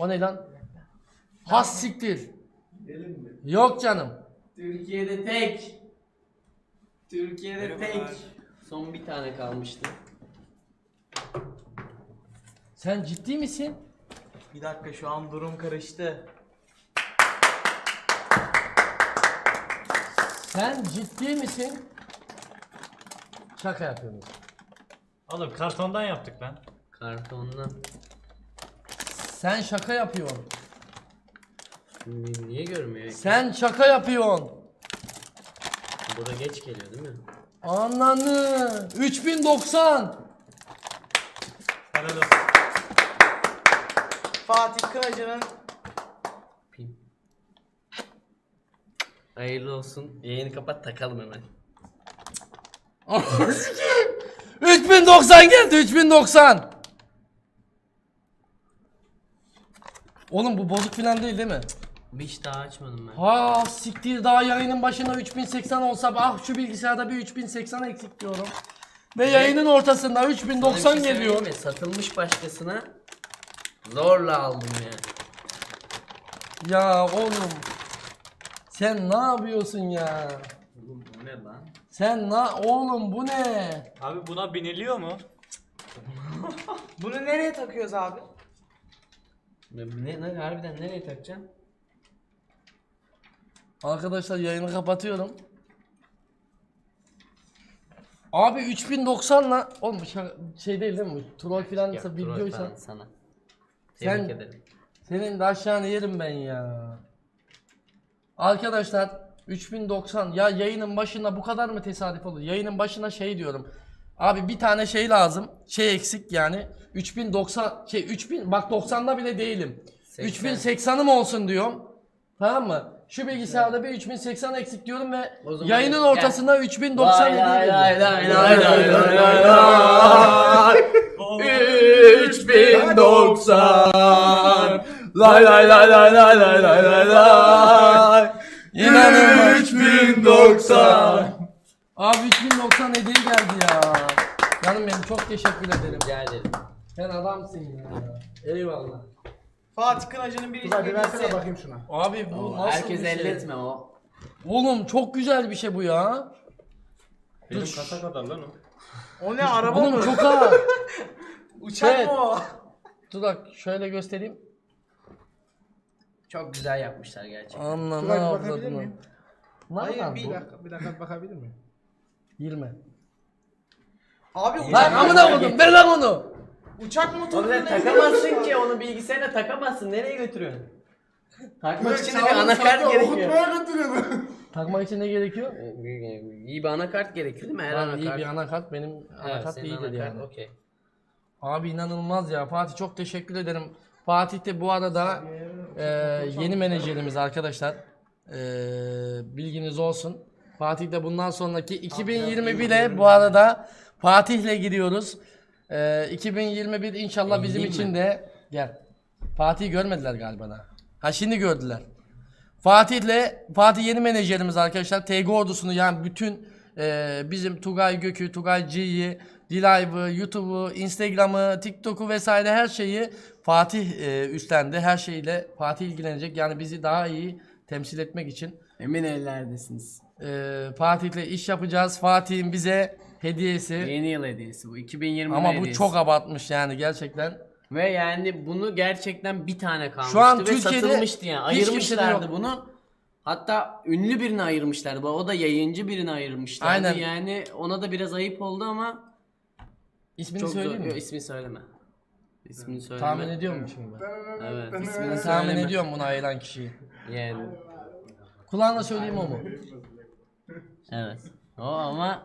O ne lan? Has siktir. Yok canım. Türkiye'de tek. Türkiye'de tek. Son bir tane kalmıştı. Sen ciddi misin? Bir dakika şu an durum karıştı. Sen ciddi misin? Şaka yapıyorsun. Oğlum kartondan yaptık lan. Kartondan. Sen şaka yapıyorsun. Niye görmüyor? Sen şaka yapıyorsun. Bu da geç geliyor değil mi? Ananı. 3090. Helal olsun. Fatih Kınacı'nın Pin. Hayırlı olsun. Yayını kapat takalım hemen. 3090 geldi 3090. Oğlum bu bozuk filan değil mi? Hiç daha açmadım ben. Ha siktir, daha yayının başına 3080 olsa ah şu bilgisayarda bir 3080 eksik diyorum. Ve yayının ortasında 3090 Sana bir şey geliyor. söyleyeyim mi? Satılmış başkasına zorla aldım ya. Ya oğlum sen ne yapıyorsun ya? Oğlum bu ne lan? Sen oğlum bu ne? Abi buna biniliyor mu? bunu nereye takıyoruz abi? Ne harbiden nereye takacaksın? Arkadaşlar yayını kapatıyorum. Abi 3090'la oğlum bu şey değil mi? Troll filan Yok, troll videoysa falan sana. Sen- Tebrik ederim. senin de aşağını yerim ben ya. Arkadaşlar 3090 ya, yayının başına bu kadar mı tesadüf olur? Yayının başına şey diyorum. Abi bir tane şey lazım. Şey eksik yani. 3090 3000 bak 90'da bile değilim. 80. 3080'ım olsun diyorum. Tamam mı? Şu bilgisayarda bir 3080 eksik diyorum ve O zaman yayının gel. ortasında 3090 Lay hediye lay ediyorum. lay lay lay lay lay lay lay. 3090 Lay lay lay lay lay lay lay lay lay. İnanılmaz. 3090. Abi 3090 hediye geldi ya. Canım benim çok teşekkür ederim. Rica ederim. Sen adamsın ya. Eyvallah. Fatih Kınacı'nın bir Hadi versene bilgisi. bakayım şuna. Abi bu nasıl Herkes bir şey? elletme o. Oğlum çok güzel bir şey bu ya. Benim kasa kadar lan o. O ne araba Oğlum mı? çok ağır. Uçak Evet. mı o? Dur bak şöyle göstereyim. Çok güzel yapmışlar gerçekten. Anla ne Şuraya bir bakabilir yapladın miyim? Hayır Hayır, Bir dakika, bir dakika bakabilir miyim? 20. Abi Lan uçak, amına koydum ver lan onu. uçak motoru Oğlum takamazsın ki onu bilgisayarına takamazsın. Nereye götürüyorsun? Takmak için de bir anakart gerekiyor. Okutmaya götürüyordu. Takmak için ne gerekiyor? İyi bir anakart gerekiyor değil mi? Her Lan anakart. iyi bir anakart, benim Evet, anakart senin iyidir anakart yani. okey. Abi inanılmaz ya. Fatih çok teşekkür ederim. Fatih de bu arada yeni menajerimiz arkadaşlar. Bilginiz olsun. Fatih de bundan sonraki 2021'e bu arada Fatih'le gidiyoruz. 2021 inşallah bizim Eğileyim için mi? de gel. Fatih'i görmediler galiba da. Ha şimdi gördüler. Fatih yeni menajerimiz arkadaşlar. TG ordusunu yani bütün bizim Tugay Gökü, Tugay G'yi, D-Live'ı, YouTube'u, Instagram'ı, TikTok'u vesaire her şeyi Fatih üstlendi. Her şeyle Fatih ilgilenecek. Yani bizi daha iyi temsil etmek için Emin ellerdesiniz. Fatih'le iş yapacağız. Fatih'in bize hediyesi. Yeni yıl hediyesi bu. 2020 Ama bu hediyesi. çok abartmış yani gerçekten. Ve yani bunu gerçekten bir tane kalmıştı Şu an ve Türkiye'de satılmıştı yani. hiç kimsede Ayırmışlardı yok. bunu. Hatta ünlü birini ayırmışlardı. O da yayıncı birini ayırmışlardı. Aynen. Yani ona da biraz ayıp oldu ama İsmini çok söyleyeyim zor. mi? Yok, ismini söyleme. İsmini söyleme. Tahmin ediyor musun şimdi? Evet, ismini Tahmin söyleme. ediyorum bunu ayıran kişiyi. Yani Kulağına söyleyeyim o mu? evet. O ama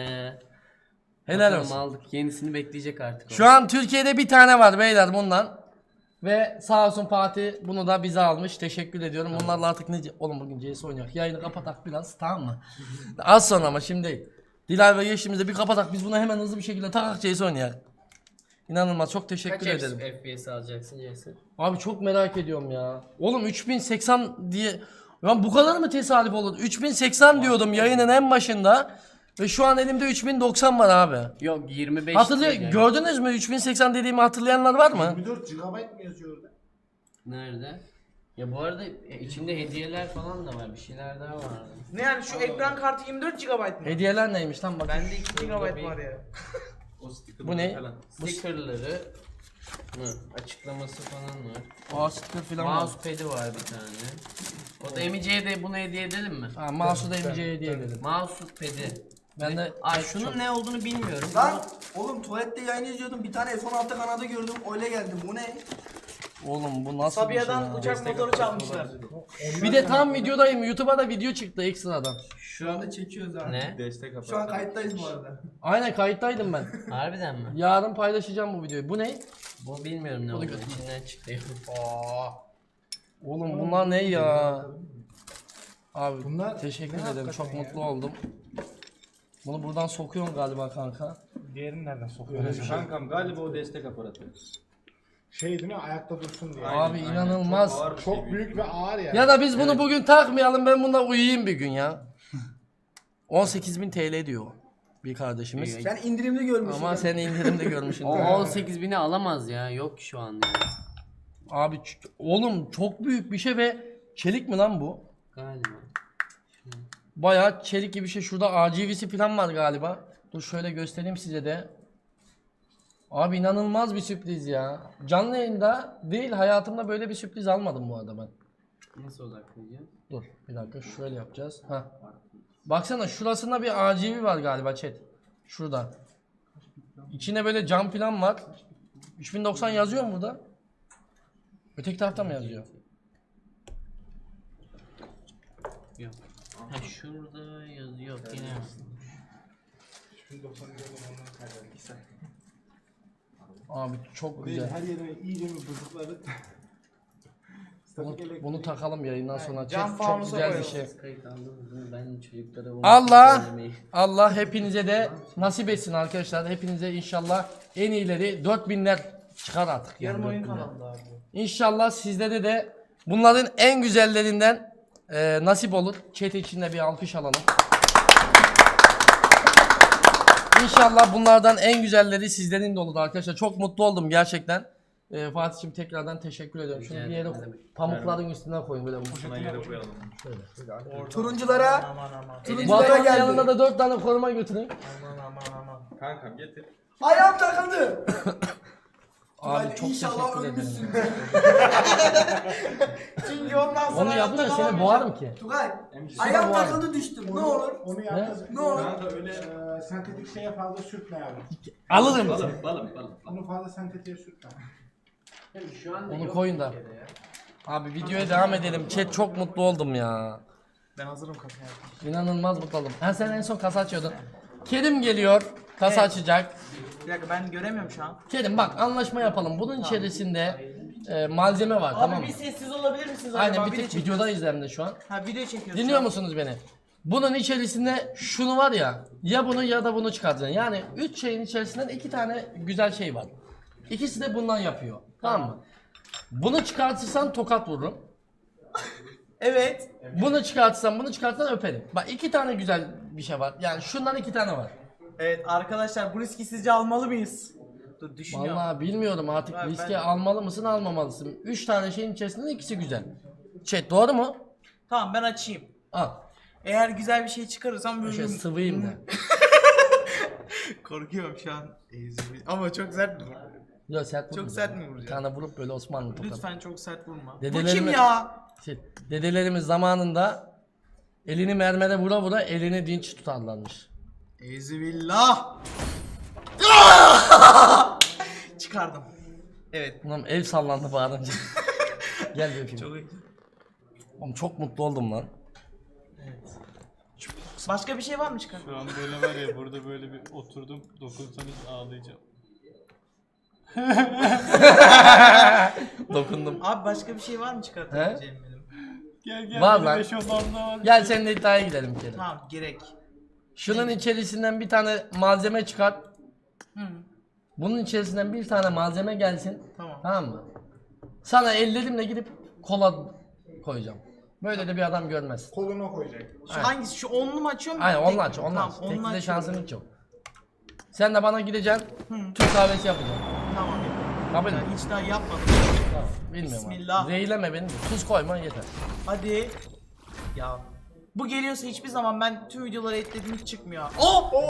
Helal bakalım olsun. aldık. Yenisini bekleyecek artık. Şu an Türkiye'de bir tane var beyler bundan. Ve sağ olsun Fatih bunu da bize almış. Teşekkür ediyorum. Bunlarla artık ne... Oğlum bugün CS oynayak. Yayını kapatak biraz, tamam mı? Az sonra ama şimdi değil. Dilay ve geçtiğimizde bir kapatak. Biz bunu hemen hızlı bir şekilde takak CS oynayak. İnanılmaz, çok teşekkür Kaç ederim. FPS alacaksın Jason? Abi çok merak ediyorum ya. Oğlum 3080 diye... Ya bu kadar mı tesadüf olur? 3080 diyordum yayının en başında. Ve şu an elimde 3090 var abi. Yok 25 değil yani. Gördünüz mü? 3080 dediğimi hatırlayanlar var mı? 24 GB mı yazıyor orada? Nerede? Ya bu arada içinde hediyeler falan da var. Bir şeyler daha var. Ne yani şu ekran kartı 24 GB mı? Hediyeler neymiş lan bak. Bende 2 GB var ya. O sticker'ları Bu ne? falan. Stickerları mı? Açıklaması falan var. Aa sticker falan var. Mousepad'i var bir tane. O da Emice'ye de bunu hediye edelim mi? Ha, mouse'u da MC'ye hediye edelim. Mousepad'i. Ben de Ay şunun ne olduğunu bilmiyorum. Lan oğlum tuvalette yayın izliyordum. Bir tane F-16 kanadı gördüm. Öyle geldim. Bu ne? Oğlum bu nasıl bir şey Sabiha'dan ya? uçak motoru çalmışlar. Bir de tam videodayım. YouTube'a da video çıktı ekstradan. Şu anda çekiyoruz ha. Ne? Destek aparatı. Şu an kayıttayız bu arada. Aynen kayıttaydım ben. Harbiden mi? Yarın paylaşacağım bu videoyu. Bu ne? Bu bilmiyorum ne olduğunu. İçinden çıktı. Oğlum bunlar ne ya? Abi Bunlar teşekkür ne ederim. hakikaten Çok ya? mutlu oldum. Bunu buradan sokuyorsun galiba kanka. Diğerini nereden sokuyor? Öyle bir şey. Kankam galiba o destek aparatı. Şey değil mi? Ayakta dursun diye. Aynen, Abi aynen. inanılmaz. Çok ağır bir Çok şey büyük ve ağır yani. Ya da biz bunu bugün takmayalım. Ben bunda uyuyayım bir gün ya. 18.000 TL diyor bir kardeşimiz. Sen indirimli görmüşsün. Ama sen indirimde görmüşsün. O 18.000'i alamaz ya. Yok şu an ya. Abi oğlum çok büyük bir şey ve çelik mi lan bu? Galiba. Bayağı çelik gibi bir şey. Şurada RGB'si falan var galiba. Dur şöyle göstereyim size de. Abi inanılmaz bir sürpriz ya. Canlı yayında değil, hayatımda böyle bir sürpriz almadım bu arada ben. Nasıl odaklayacağım? Dur bir dakika şöyle yapacağız. Heh. Baksana şurasında bir RGB var galiba chat. Şurada. İçine böyle cam falan var. 3090 yazıyor mu burada? Öteki tarafta mı yazıyor? Yok. Ha şurada yazıyor. Yine yazmış. Abi çok Değil, güzel. her yerine iyice mi bozukları? Bunu takalım yayından sonra. Cam Chat, çok fanusa güzel bir koyalım. şey. Kayıt aldınız mı? Ben çocuklara onu Allah söylemeyi- Allah hepinize de nasip etsin arkadaşlar. Hepinize inşallah en iyileri 4000'ler çıkar artık. Yarın yani oyun 4000'ler. kanalında abi. İnşallah sizlere de bunların en güzellerinden nasip olur. Chat içinde bir alkış alalım. İnşallah bunlardan en güzelleri sizlerin de olur arkadaşlar. Çok mutlu oldum gerçekten. Fatih'cim tekrardan teşekkür ediyorum. Şunu bir yere pamukların üstüne koyun böyle. Buna yere koyalım. Turunculara, Aman aman. Bu turunculara adamın geldi. yanında da 4 tane koruma götürün. Aman. Kankam getir. Ayağım takıldı. Abi Hadi çok inşallah teşekkür ölmüşsün. ederim. Çünkü ondan sonra Onu yapınca seni boğarım ki. Tugay, ayağım bu takıldı düştüm. Ne olur? Onu yapacağız. Ne olur? Kanka öyle. Sentetik şeye fazla sürtme yavrum. Alırım. Balım. Onu fazla sentetiğe sürtme. Şu anda Onu yok koyun da. Türkiye'de ya. Abi videoya devam edelim. Chat çok mutlu oldum ya. Ben hazırım kasaya. İnanılmaz mutlu oldum. Ha sen en son kasa açıyordun. Kerim geliyor. Kasa Evet. açacak. Bir dakika ben göremiyorum şu an. Kerim bak anlaşma yapalım. Bunun içerisinde malzeme var Abi tamam mı? bir sessiz olabilir misiniz acaba? Aynen bir Video tek çekiyoruz. videodayız hem de şu an. Ha video çekiyoruz. Dinliyor musunuz beni? Bunun içerisinde şunu var ya, ya bunu ya da bunu çıkartacaksın. Yani 3 şeyin içerisinden 2 tane güzel şey var. İkisi de bundan yapıyor. Tamam mı? Bunu çıkartırsan tokat vururum. Evet. Bunu çıkartırsan bunu çıkartırsan öperim. Bak 2 tane güzel bir şey var. Yani şundan 2 tane var. Evet arkadaşlar bu riski sizce almalı mıyız? Dur düşünüyorum. Vallahi bilmiyorum artık Ben- riske almalı mısın almamalısın. 3 tane şeyin içerisinden ikisi güzel. Chat doğru mu? Tamam ben açayım. Al. Eğer güzel bir şey çıkarırsam böyle Şöyle sıvıyım da. korkuyorum şu an. Ama çok sert mi? Ya sert Çok vurma. sert mi Bir vuracağım? tane vurup böyle Osmanlı tokat. Lütfen çok sert vurma. Dedelerime- Bu kim ya? Şey, dedelerimiz zamanında elini mermere vura vura elini dinç tutarlarmış. Eyzübillah. Çıkardım. Evet. Ulan el sallandı bağırınca. Gel bir öpeyim. Çok iyi. Oğlum çok mutlu oldum lan. Başka bir şey var mı çıkar? Şu an böyle var ya burada böyle bir oturdum dokunsanız ağlayacağım. Dokundum. Abi başka bir şey var mı çıkartabileceğim benim? Gel Var benim lan. eşofmanımda var. Gel seninle iddiaya gidelim Kerim. Tamam gerek. Şunun içerisinden bir tane malzeme çıkart. Hı. Bunun içerisinden bir tane malzeme gelsin. Tamam. Tamam mı? Sana ellerimle gidip kola koyacağım. Böyle de bir adam görmez. Koluna koyacak. Şu hangisi? Şu onlu mu açıyor mu? Aynen Tek onunla mi? aç, onunla Tamam, aç. onunla Tekli de açıyorum. şansın hiç yok. Sen de bana gideceksin, Türk kahvesi yapacaksın. Tamam. Kabul mü? Ben hiç daha yapmadım. Tamam. Bilmiyorum abi. Bismillah. Zehirleme beni de. Tuz koyma yeter. Hadi. Ya. Bu geliyorsa hiçbir zaman ben tüm videoları eklediğim hiç çıkmıyor. Oh!